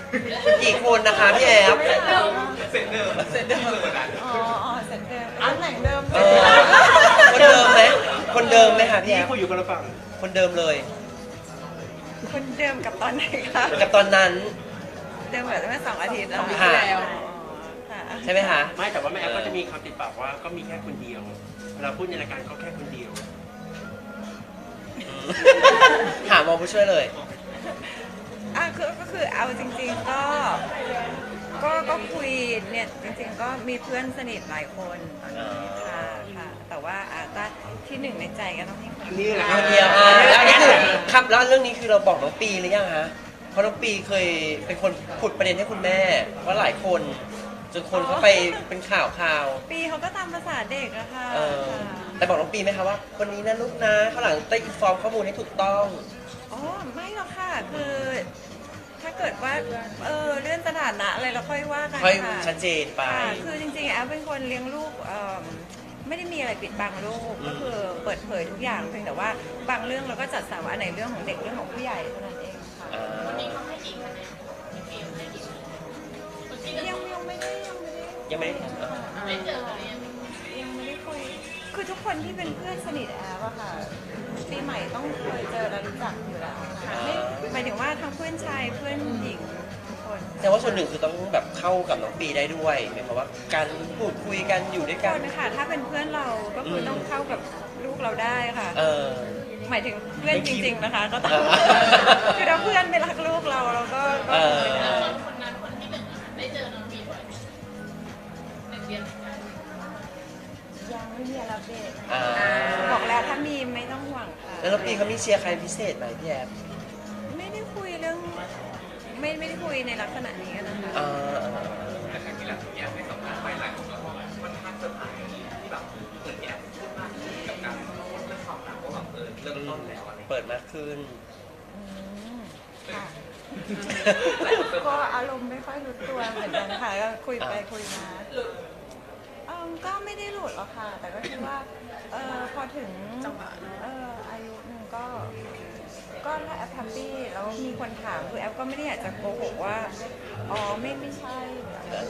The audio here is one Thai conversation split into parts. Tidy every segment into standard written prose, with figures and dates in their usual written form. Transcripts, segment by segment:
กี่คนนะคะพี่แอฟเสร็จเดิมอ๋อเสร็จเดิมตำแหน่งเดิมคนเดิมไหมคนเดิมไหมคะพี่ที่แอฟคุยอยู่คนละฝั่งคนเดิมเลยคนเดิมกับตอนไหนคะกับตอนนั้นเดิมแบบเมื่อ2 อาทิตย์แล้วค่ะค่ะใช่ไหมคะไม่แต่ว่าแม่แอฟก็จะมีคำติดปากว่าก็มีแค่คนเดียวเวลาพูดในรายการก็แค่คนเดียวถามมองผู้ช่วยเลยก็คือเอาจริงๆก็คุยเนี่ยจริงๆก็มีเพื่อนสนิทหลายคนตอนนี้ค่ะแต่ว่าถ้าที่หนึ่งในใจก็ต้องให้คนนี่แหละคนเดียวแล้วนี่คือครับแล้วเรื่องนี้คือเราบอกน้องปีหรือยังฮะเพราะน้องปีเคยเป็นคนขุดประเด็นให้คุณแม่ว่าหลายคนจนคนเขาไปเป็นข่าวปีเขาก็ตามภาษาเด็กอะค่ะแต่บอกน้องปีไหมคะว่าคนนี้นะลูกนะข้างหลังได้อินฟอร์มข้อมูลให้ถูกต้องอ๋อไม่หรอกค่ะคือถ้าเกิดว่าเรื่องสถานะอะไรเราค่อยว่ากันค่อยค่ะชัดเจนไปค่ะคือจริงๆแอฟเป็นคนเลี้ยงลูกไม่ได้มีอะไรปิดบังลูกก็คือเปิดเผยทุกอย่างเพียงแต่ว่าบางเรื่องเราก็จัดสรรว่าอันไหนเรื่องของเด็กเรื่องของผู้ใหญ่เท่านั้นเองค่ะวันนี้เขาให้กี่คะแนนพี่ฟิล์มให้กี่คะแนนคนที่ยังไม่ได้ยังไม่ได้ไม่เจอกันเลยยังไม่ได้คุยคือทุกคนที่เป็นเพื่อนสนิทแอฟอะค่ะปีใหม่ต้องเคยเจอและรู้จักอยู่แล้วค่ะไม่หมายถึงว่าทั้งเพื่อนชายเพื่อนหญิงทุกคนแต่ว่าส่วนหนึ่งคือต้องแบบเข้ากับน้องปีได้ด้วยหมายความว่าการพูดคุยกันอยู่ด้วยคกันนนะคะถ้าเป็นเพื่อนเราก็คือต้องเข้ากับลูกเราได้ค่ะ หมายถึงเพื่อนจริง ๆนะคะ ก็ต้องคือถ้าเพื่อนไม่รักลูกเราเราก็ไม่ได้คนนั้นคนที่หนึ่งได้เจอน้องมีบ่อยหนึ่งเดือนยังไม่มีอะไรอัปเดตอ่าบอกแล้วถ้ามีไม่ต้องห่วงค่ะแล้วน้องปีเขามีเชียร์ใครพิเศษไหมพี่แอฟไม่ได้คุยเรื่องไม่ได้คุยในลักษณะนี้นะคะแต่ครั้งที่แล้วที่แอฟให้สัมภาษณ์ไปหลายคนก็บอกว่าค่อนข้างเซอร์ไพรส์ที่แบบเหมือนแอฟพูดมากขึ้นกับการพูดเรื่องความรักว่าแบบเริ่มต้นแล้วอะไรเปิดมากขึ้นค่ะก็อารมณ์ไม่ค่อยรู้ตัวเหมือนกันค่ะก็คุยไปคุยมาก็ไม่ได้หลุดหรอกค่ะ แต่ก็คิดว่าพอถึงอายุหนึ่งก็ถ้าแอปแฮปปี้แล้วมีคนถามคือแอปก็ไม่ได้อยากจะโกหกว่าอ๋อไม่ใช่หรืออะไร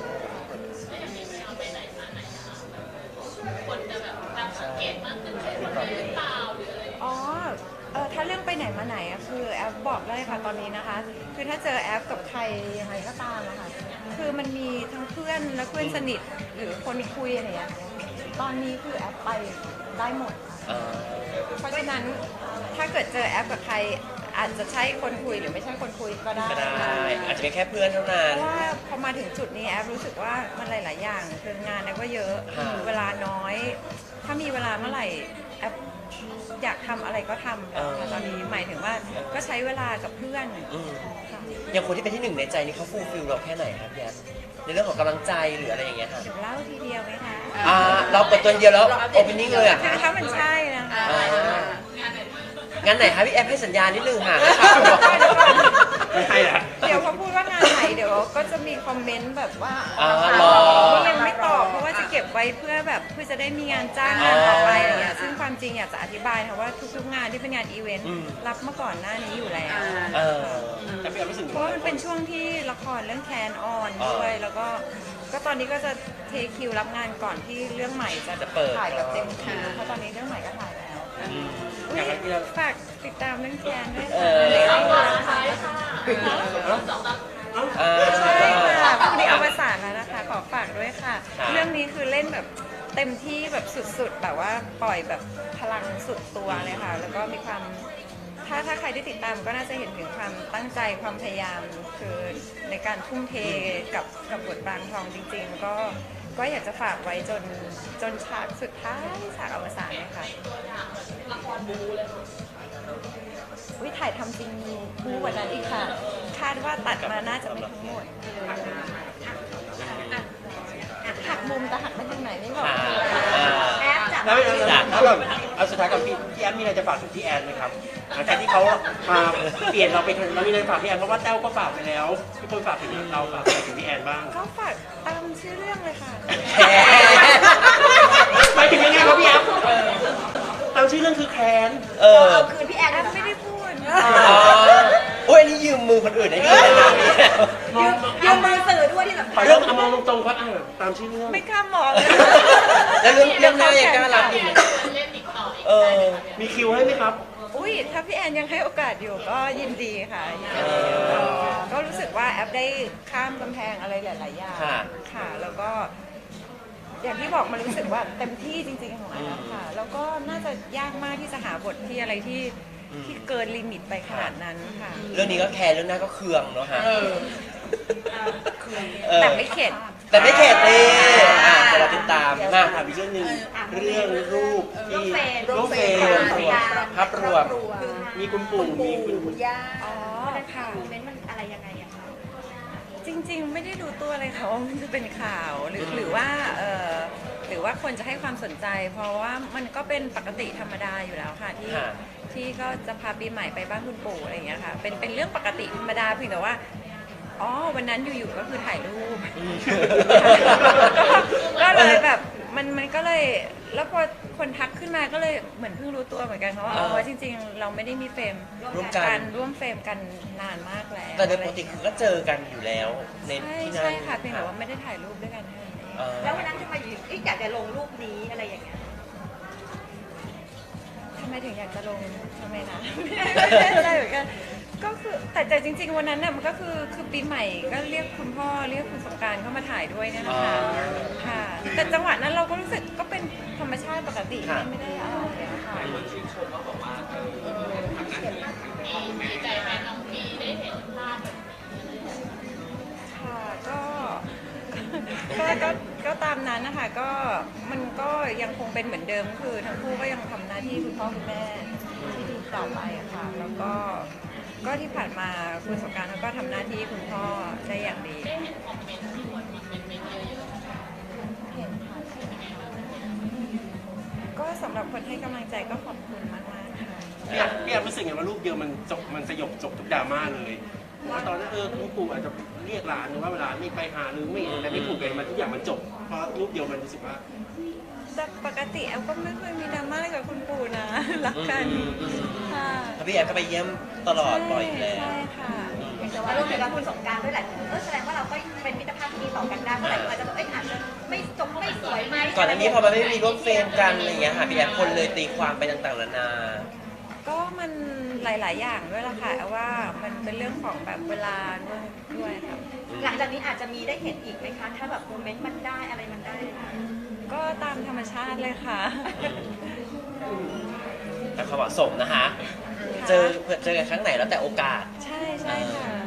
คนจะแบบตั้งสังเกตมากขึ้นเป็นคนนี้หรือเปล่าหรืออะไรอ๋อถ้าเรื่องไปไหนมาไหนอะคือแอปบอกเลยค่ะตอนนี้นะคะ คือถ้าเจอแอปกับใครยังไงก็ตามอะค่ะคือมันมีทั้งเพื่อนและเพื่อนสนิทหรือคนคุยอะไรอย่างเงี้ยตอนนี้คือแอปไปได้หมดค่ะเพราะฉะนั้นถ้าเกิดเจอแอปกับใครอาจจะใช่คนคุยหรือไม่ใช่คนคุยก็ได้ก็ได้อาจจะเป็นแค่เพื่อนเท่านั้เพนราะว่าพอมาถึงจุดนี้แอปรู้สึกว่ามันหลาย ๆ อย่างคืองานแอปก็เยอะค่ะเวลาน้อย ถ้ามีเวลาเมื่อไหร่แอปอยากทำอะไรก็ทำแล้วค่ะตอนนี้หมายถึงว่าก็ใช้เวลากับเพื่อนค่ะอย่างคนที่เป็นที่หนึ่งในใจนี่เขาฟูลฟิลเราแค่ไหนครับพี่แอฟในเรื่องของกำลังใจหรืออะไรอย่างเงี้ยค่ะเดี๋ยวเล่าทีเดียวไหมคะเราเปิดตัวเดียวแล้วโอเพนนิ่งเลยอ่ะคือถ้ามันใช่นะคะงั้นไหนคะพี่แอฟให้สัญญาณนิดนึงค่ะนะครับไม่ใช่ละเดี๋ยวพอพูดว่างานไหนเดี๋ยวก็จะมีคอมเมนต์แบบว่ารอนี่ยังไม่ตอบเพราะว่าจะเก็บไว้เพื่อแบบเพื่อจะได้มีงานจ้างงานต่อไปอะไรอย่างเงี้ยซึ่งความจริงอยากจะอธิบายนะว่าทุกๆงานที่เป็นงานอีเวนต์รับมาก่อนหน้านี้อยู่แล้วแต่พี่แอฟรู้สึกเพราะว่ามันเป็นช่วงที่ละครเรื่องแคนออนด้วยแล้วก็ตอนนี้ก็จะเทคิวรับงานก่อนที่เรื่องใหม่จะถ่ายแบบเต็มคิวเพราะตอนนี้เรื่องใหม่ก็ถ่ายแล้วฝากติดตามเรื่องแคนด้วยค่ะใช่ค่ะพรุ่งนี้เอาประสานแล้วนะคะขอฝากด้วยค่ะ เรื่องนี้คือเล่นแบบเต็มที่แบบสุดๆแบบว่าปล่อยแบบพลังสุดตัวเลยค่ะแล้วก็มีความถ้าใครได้ติดตามก็น่าจะเห็นถึงความตั้งใจความพยายามคือในการทุ่มเทกับบทบางทองจริงๆก็อยากจะฝากไว้จนฉากสุดท้ายฉากอวสานเลยค่ะละครบูเลยวิถ่ายทำจริงมีบูกว่านั้นอีกค่ะ คาดว่าตัดมาน่าจะไม่ทั้งหมดหักมุมแต่หักไปทางไหนไม่บอกแอปจับแล้วก่อนเอาสุดท้ายก่อนพี่แอฟมีอะไรจะฝากถึงพี่แอนไหมครับหลังจากที่เขามาเปลี่ยนเราไปถึงเรามีอะไรฝากพี่แอนเพราะว่าแต้วก็ฝากไปแล้วทุกคนฝากถึงเราฝากถึงพี่แอนบ้างก็ฝากตามชื่อเรื่องเลยค่ะหมายถึงยังไงครับพี่แอฟตามชื่อเรื่องคือแคนเอาคืนพี่แอนไม่ได้พูดโอ้ยอันนี้ยืมมือคนอื่นได้ดีนะคะพี่ยืมมือสื่อด้วยที่สำขคัอญเรื่องมองตรงๆครับตามชื่อเรื่องไม่กล้ามองเลยแล้วเรื่องหน้ายังกล้ารับอยู่เล่นอีกต่ออีกเออมีคิวให้ไหมครับอุ้ยถ้าพี่แอนยังให้โอกาสอยู่ก็ยินดีค่ะยินดีก็รู้สึกว่าแอปได้ข้ามกำแพงอะไรหลายๆอย่างค่ะค่ะ แล้วก็ อย่างที่บอกมันรู้สึกว่าเต็มที่จริงๆของแอปค่ะ แล้วก็น่าจะยากมากที่จะหาบทที่อะไรที่เกินลิมิตไปขนาดนั้นค่ะเรื่องนี้ก็แคร์เรื่องหน้าก็เคืองเนาะฮะแต่ไม่เข็ดแต่ไม่เข็ดเลยเดี๋ยวเราติดตามมาถามอีกเรื่องหนึ่งเรื่องรูปที่รูปเฟรมภาพรวมมีคุณปู่มีคุณย่าอ๋อ ค่ะโมเมนต์มันอะไรยังไงอะคะจริงๆ ไม่ได้ดูตัวเลยค่ะว่ามันจะเป็นข่าวหรือว่าหรือว่าคนจะให้ความสนใจ เพราะว่ามันก็เป็นปกติธรรมดาอยู่แล้วค่ะที่ค่ะที่ก็จะพาปีใหม่ไปบ้านคุณปู่อะไรอย่างเงี้ยค่ะเป็นเรื่องปกติธรรมดาเพียงแต่ว่าอ๋อวันนั้นอยู่ๆก็คือถ่ายรูป ก็เลยแบบมันก็เลยแล้วพอคนทักขึ้นมาก็เลยเหมือนเพิ่งรู้ตัวเหมือนกันค่ะว่าอ๋อจริงๆ เราไม่ได้มีเฟรมร่วมกันร่วมเฟรมกันนานมากแล้วแต่โดยปกติคือก็เจอกันอยู่แล้วในใช่ที่นั่นใช่ค่ะเพียงแต่ว่าไม่ได้ถ่ายรูปด้วยกันแค่นั้นเองเออแล้ววันนั้นทำไมอยู่อยากจะลงรูปนี้อะไรอย่างเงี้ยทำไมถึงอยากจะลงทำไมนะ ไม่ได้เหมือนกันก็คือแต่จริง ๆ วันนั้นน่ะมันก็คือปีใหม่ก็เรียกคุณพ่อเรียกคุณสงกรานต์เข้ามาถ่ายด้วยเนี่ยนะคะค่ะ แต่จังหวะนั้นเราก็รู้สึกก็เป็นธรรมชาติปกติไม่ได้อะไรอะค่ะดีใจแทนน้องพีได้เห็นภาพแบบค่ะก็ตามนั้นนะคะก็มันก็ยังคงเป็นเหมือนเดิมคือทั้งคู่ก็ยังทำหน้าที่คุณพ่อคุณแม่ที่ดีต่อไปอะค่ะแล้วก็ที่ผ่านมาคุณสงกรานต์เขาก็ทำหน้าที่คุณพ่อได้อย่างดีได้เห็นคอมเมนต์ที่คนมาเป็นเมนเยอะเห็นค่ะก็สำหรับคนให้กำลังใจก็ขอบคุณมากๆค่ะพี่แอมรู้สึกไงว่ารูปเดียวมันสยบจบทุกดราม่าเลยว่าตอนนั้นคุณปู่อาจจะเรียกหลานหรือว่าเวลาไม่ไปหาหรือไม่แต่ไม่ถูกกันมันทุกอย่างมันจบเพราะรูปเดียวมันรู้สึกว่าแต่ปกติแอลก็ไม่เคยมีดราม่าอะไรกับคุณปู่นะ รักกันค่ะถ้าพี่แอมก็ไปเยี่ยมตลอดบ่อยอยู่แล้วใช่ค่ะแต่ว่ารูปเดียวกับคุณสงกรานต์ด้วยแหละแสดงว่าเราก็เป็นมิตรภาพที่ดีต่อกันได้เมื่อไหร่อาจจะแบบอาจจะไม่จบไม่สวยไหมก่อนอันนี้พอมันไม่มีร่วมเฟรมกันอะไรอย่างเงี้ยค่ะพี่แอมคนเลยตีความไปต่างๆนานาก็มันหลาย ๆ อย่างด้วยล่ะค่ะแอลว่ามันเป็นเรื่องของแบบเวลาด้วยค่ะหลังจากนี้อาจจะมีได้เห็นอีกไหมคะ ถ้าแบบโมเมนต์มันได้อะไรมันได้ก็ตามธรรมชาติเลยค่ะแต่ความเหมาะสมนะคะ เจอกันครั้งไหนแล้วแต่โอกาสใช่ค่ะ